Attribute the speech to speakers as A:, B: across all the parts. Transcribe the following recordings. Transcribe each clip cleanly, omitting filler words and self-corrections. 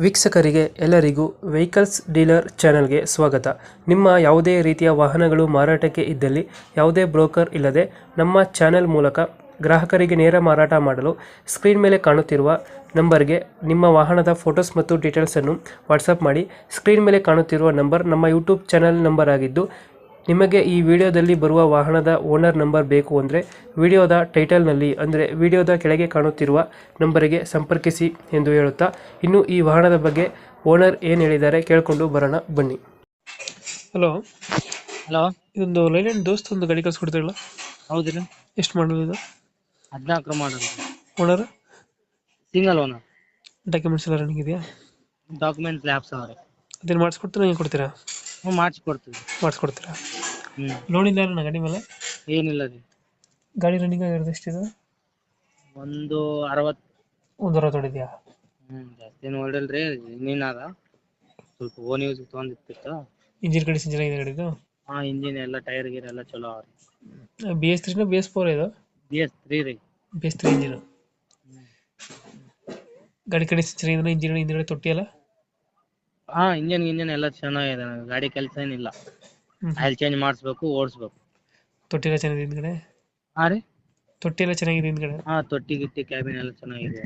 A: ವೀಕ್ಷಕರಿಗೆ ಎಲ್ಲರಿಗೂ vehicles dealer ಚಾನೆಲ್ಗೆ ಸ್ವಾಗತ. ನಿಮ್ಮ ಯಾವುದೇ ರೀತಿಯ ವಾಹನಗಳು ಮಾರಾಟಕ್ಕೆ ಇದ್ದಲ್ಲಿ ಯಾವುದೇ ಬ್ರೋಕರ್ ಇಲ್ಲದೆ ನಮ್ಮ ಚಾನೆಲ್ ಮೂಲಕ ಗ್ರಾಹಕರಿಗೆ ನೇರ ಮಾರಾಟ ಮಾಡಲು ಸ್ಕ್ರೀನ್ ಮೇಲೆ ಕಾಣುತ್ತಿರುವ ನಂಬರ್ಗೆ ನಿಮ್ಮ ವಾಹನದ ಫೋಟೋಸ್ ಮತ್ತು ಡೀಟೇಲ್ಸನ್ನು ವಾಟ್ಸಪ್ ಮಾಡಿ. ಸ್ಕ್ರೀನ್ ಮೇಲೆ ಕಾಣುತ್ತಿರುವ ನಂಬರ್ ನಮ್ಮ ಯೂಟ್ಯೂಬ್ ಚಾನೆಲ್ ನಂಬರ್ ಆಗಿದ್ದು, ನಿಮಗೆ ಈ ವಿಡಿಯೋದಲ್ಲಿ ಬರುವ ವಾಹನದ ಓನರ್ ನಂಬರ್ ಬೇಕು ಅಂದರೆ ವಿಡಿಯೋದ ಟೈಟಲ್ನಲ್ಲಿ ಅಂದರೆ ವಿಡಿಯೋದ ಕೆಳಗೆ ಕಾಣುತ್ತಿರುವ ನಂಬರಿಗೆ ಸಂಪರ್ಕಿಸಿ ಎಂದು ಹೇಳುತ್ತಾ, ಇನ್ನು ಈ ವಾಹನದ ಬಗ್ಗೆ ಓನರ್ ಏನು ಹೇಳಿದ್ದಾರೆ ಕೇಳಿಕೊಂಡು ಬರೋಣ ಬನ್ನಿ. ಹಲೋ
B: ಹಲೋ,
A: ಇದೊಂದು ಲೈಲ್ಯಾಂಡ್ ದೋಸ್ತ್ ಒಂದು ಗಾಡಿ ಕಳ್ಸಿಕೊಡ್ತಾರಲ್ಲ,
B: ಹೌದ್ರಿ.
A: ಎಷ್ಟು ಮಾಡಲು ಇದು?
B: 14 model,
A: owner
B: single owner.
A: Documents ಎಲ್ಲ ರನ್ನಿಂಗ್ ಇದೆಯಾ?
B: ಡಾಕ್ಯುಮೆಂಟ್ ಲ್ಯಾಬ್ಸ್ ಅವ್ರೆ.
A: ಅದೇನು ಮಾಡಿಸ್ಕೊಡ್ತೀರಾ, ನೀವು ಕೊಡ್ತೀರಾ?
B: ಹ್ಞೂ, ಮಾಡಿಸ್ಕೊಡ್ತೀವಿ.
A: ಮಾಡಿಸ್ಕೊಡ್ತೀರಾ?
B: ಹ್ಞೂ,
A: ಲೋನ್ ಇಲ್ಲ ನನ್ನ ಗಾಡಿ ಮೇಲೆ?
B: ಏನಿಲ್ಲ ರೀ.
A: ಗಾಡಿ ರನ್ನಿಂಗ್ ಆಗಿರೋದು ಎಷ್ಟಿದೆ?
B: ಒಂದು 60.
A: ಒಂದು ವಾರ ತೊಡಿದ್ಯಾ?
B: ಜಾಸ್ತಿ ಏನು ಹೊಡಿಲ್ರಿ. ಇಂಜಿನ್ ಅದ ಸ್ವಲ್ಪ ಓನ್ ಯೂಸ್ ತೊಗೊಂಡಿರ್ತಿತ್ತು.
A: ಇಂಜಿನ್ ಕಂಡೀಷನ್ ಚೆನ್ನಾಗಿದೆ ಗಾಡಿದು?
B: ಇಂಜಿನ್ ಎಲ್ಲ ಟೈರ್ ಗೀರ್ ಎಲ್ಲ ಚಲೋ ಅವ್ರಿ.
A: BS3 BS4 ಇದು?
B: BS3 ರೀ.
A: BS3 engine. ಗಾಡಿ ಕಂಡೀಷನ್ ಚೆನ್ನಾಗಿದೆ, ಇಂಜಿನ್ ಹಿಂದ್ಗಡೆ ತೊಟ್ಟಿ ಎಲ್ಲ?
B: ಇಂಜಿನ್ ಎಲ್ಲ ಚೆನ್ನಾಗಿದೆ. ಗಾಡಿ ಕೆಲಸ ಏನಿಲ್ಲ. ಆಯಿಲ್ ಚೇಂಜ್ ಮಾಡಿಸ್ಬೇಕು, ಓಡಿಸ್ಬೇಕು.
A: ತೊಟ್ಟಿ ಎಲ್ಲ ಚೆನ್ನಾಗಿದೆ ಹಿಂದ್ಗಡೆ?
B: ಹಾಂ ರೀ,
A: ತೊಟ್ಟಿ ಎಲ್ಲ ಚೆನ್ನಾಗಿದೆ ಹಿಂದ್ಗಡೆ?
B: ತೊಟ್ಟಿ ಗಿಟ್ಟಿ ಕ್ಯಾಬಿನ್ ಎಲ್ಲ ಚೆನ್ನಾಗಿದೆ.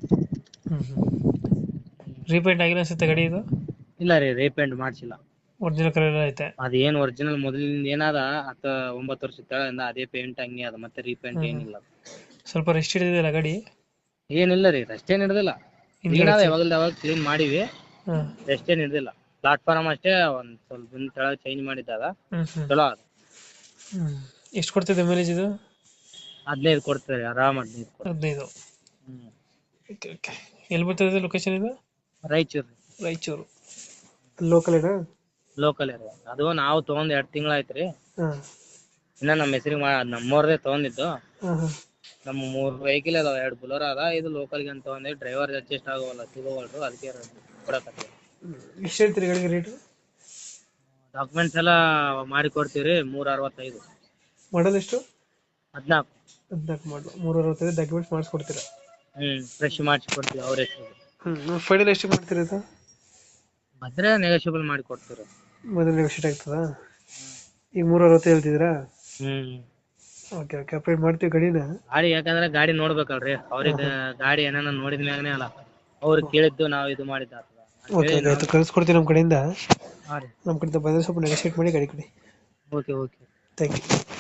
A: ರೀಪೇಂಟ್ ಆಗಿಲ್ಲ ಅನ್ಸುತ್ತೆ ಗಾಡಿ ಇದು?
B: ಇಲ್ಲ ರೀ, ರೀಪೇಂಟ್ ಮಾಡಿಸಿಲ್ಲ.
A: ಒರಿಜಿನಲ್ ಕಲರ್ ಎಲ್ಲ ಐತೆ?
B: ಅದೇನು ಒರಿಜಿನಲ್ ಮೊದಲಿಂದ ಏನದ 10-9 ವರ್ಷದ ಕೆಳಗಿಂದ ಅದೇ ಪೇಂಟ್ ಹಂಗೆ ಅದ. ಮತ್ತೆ ರೀಪೇಂಟ್ ಏನಿಲ್ಲ.
A: ಸ್ವಲ್ಪ ರೆಸ್ಟ್ ಹಿಡಿದಿದೆಯಲ್ಲ ಗಾಡಿ?
B: ಏನಿಲ್ಲ ರೀ, ರೆಸ್ಟ್ ಏನ್ ಹಿಡ್ದಿಲ್ಲ. ಕ್ಲೀನ್ ಅದ, ಯಾವಾಗ ಕ್ಲೀನ್ ಮಾಡಿವಿ. ರೆಸ್ಟ್ ಏನ್ ಹಿಡ್ದಿಲ್ಲ. ಪ್ಲಾಟ್ಫಾರ್ಮ್ ಅಷ್ಟೇ ಒಂದ್ ಸ್ವಲ್ಪ ದಿನ ಕೆಳಗೆ ಚೇಂಜ್ ಮಾಡಿದ್ದಾದ. ಚಲೋ ಅದ.
A: ಎಷ್ಟು ಕೊಡ್ತಿದೆ ಮೈಲೇಜ್ ಇದು?
B: 15 ಕೊಡ್ತಾರೆ ಆರಾಮ್.
A: 15. ಓಕೆ. ಎಲ್ಲಿ ಬರ್ತದೆ ಲೊಕೇಶನ್ ಇದು?
B: ರಾಯಚೂರು.
A: ರಾಯಚೂರು ಲೋಕಲ್ ಏನಾ?
B: ಲೋಕಲ್ ರೀ. ಅದು ನಾವು ತಗೊಂಡ್ 2 ತಿಂಗಳಾಯ್ತ್ರಿ. ಇನ್ನ ನಮ್ಮ ಹೆಸರಿಗೆ ನಮ್ಮವ್ರದೇ ತಗೊಂಡಿದ್ದು. ನಮ್ಮ 3 ವೆಹಿಕಲ್ ಅದಾವ, 2 ಬುಲೋರ್ ಅದ. ಇದು ಲೋಕಲ್ಗೆ ಅಂತ ತಗೊಂಡೆ. ಡ್ರೈವರ್ ಅಡ್ಜಸ್ಟ್ ಆಗೋವಲ್ಲ, ಸಿಗೋವಲ್ರು, ಅದಕ್ಕೆ ಕೊಡಕತ್ತೀವಿ.
A: ಎಷ್ಟು ಹೇಳ್ತೀರಿ ಗಾಡಿಗೆ ರೇಟು?
B: ಡಾಕ್ಯುಮೆಂಟ್ಸ್ ಎಲ್ಲ ಮಾಡಿ ಕೊಡ್ತೀವಿ 365.
A: ಮಾಡಲ್ ಎಷ್ಟು?
B: 14.
A: 14 ಮಾಡಲು 365. ಡಾಕ್ಯುಮೆಂಟ್ಸ್ ಮಾಡಿಸ್ಕೊಡ್ತೀರಾ?
B: ಫ್ರೆಶ್ ಮಾಡಿಸಿ ಕೊಡ್ತೀವಿ ಅವ್ರ ಹೆಸರು.
A: ಫೈನಲ್ ಎಷ್ಟು ಮಾಡ್ತೀರಾ ಇದು?
B: ಬಂದ್ರೆ ನೆಗೋಷಿಯಬಲ್ ಮಾಡಿ ಕೊಡ್ತೀವಿ.
A: ಮೊದಲು ನೆಗೋಷಿಯೇಟ್ ಆಗ್ತದಾ? ಈಗ 360 ಹೇಳ್ತಿದ್ದೀರಾ? ಓಕೆ ಅಪ್ಡೇಟ್ ಮಾಡ್ತೀವಿ ಗಾಡಿನ.
B: ಗಾಡಿ ಯಾಕಂದ್ರೆ ಗಾಡಿ ನೋಡ್ಬೇಕಲ್ರಿ ಅವ್ರಿಗೆ. ಗಾಡಿ ಏನಾನ ನೋಡಿದ ಮ್ಯಾಗನೇ ಅಲ್ಲ ಅವ್ರು ಕೇಳಿದ್ದು ನಾವು ಇದು ಮಾಡಿದ್ದ.
A: ಓಕೆ ಆಯ್ತು, ಕಳ್ಸ್ಕೊಡ್ತೀವಿ ನಮ್ಮ ಕಡೆಯಿಂದ.
B: ಹಾಂ ರೀ,
A: ನಮ್ಮ ಕಡೆಯಿಂದ ಬಂದರೆ ಸ್ವಲ್ಪ ನೆಗೋಷಿಯೇಟ್ ಮಾಡಿ ಗಾಡಿ ಕೊಡಿ.
B: ಓಕೆ.
A: Thank you.